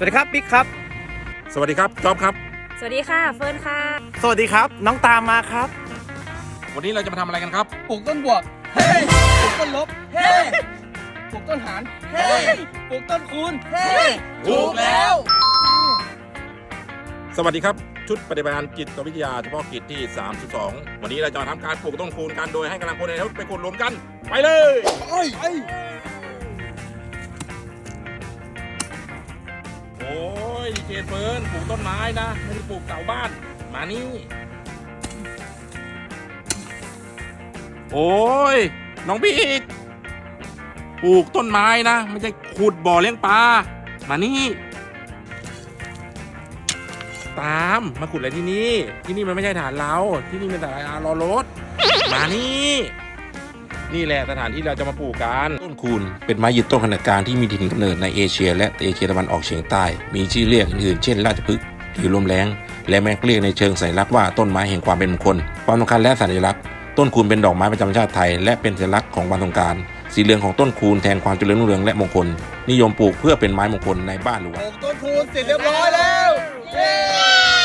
วัสดีครับบิ๊กครับสวัสดีครับจ๊อบครับสวัสดีค่ะเฟิร์นค่ะสวัสดีครับน้องตามมาครับวันนี้เราจะมาทำอะไรกันครับปลูกต้นบวกเฮ้ปลูกต้นลบเฮ้ปลูกต้นหารเฮ้ปลูกต้นคูณเฮ้ถูกแล้วสวัสดีครับชุดปฏิบัติการจิตวิทยาเฉพาะกิจที่32วันนี้เราจะมาทำการปลูกต้นคูณกันโดยให้กำลังพลในรถไปขุดหลุมกันไปเลยโอ้ยเจนเฟิร์นปลูกต้นไม้นะไม่ได้ปลูกเสาบ้านมานี่โอ้ยน้องบิ๊กปลูกต้นไม้นะไม่ใช่ขุดบ่อเลี้ยงปลามานี่ตามมาขุดอะไรที่นี่มันไม่ใช่ฐานเราที่นี่เป็นฐานรอรถมานี่แหละสถานที่เราจะมาปลูกกันต้นคูนเป็นไม้ยืนต้นขนาดกลางที่มีถิ่นกำเนิดในเอเชียและเอเชียตะวันออกเฉียงใต้มีชื่อเรียกอื่นๆเช่นราชพฤกษ์หรือลมแรงและแม้เรียกในเชิงสัญลักษณ์ว่าต้นไม้แห่งความเป็นมงคลความสำคัญและสัญลักษณ์ต้นคูนเป็นดอกไม้ประจำชาติไทยและเป็นสัญลักษณ์ของวันสงกรานต์สีเหลืองของต้นคูนแทนความเจริญรุ่งเรืองและมงคลนิยมปลูกเพื่อเป็นไม้มงคลในบ้านหรือวัดปลูกต้นคูณเสร็จเรียบร้อยแล้วเย้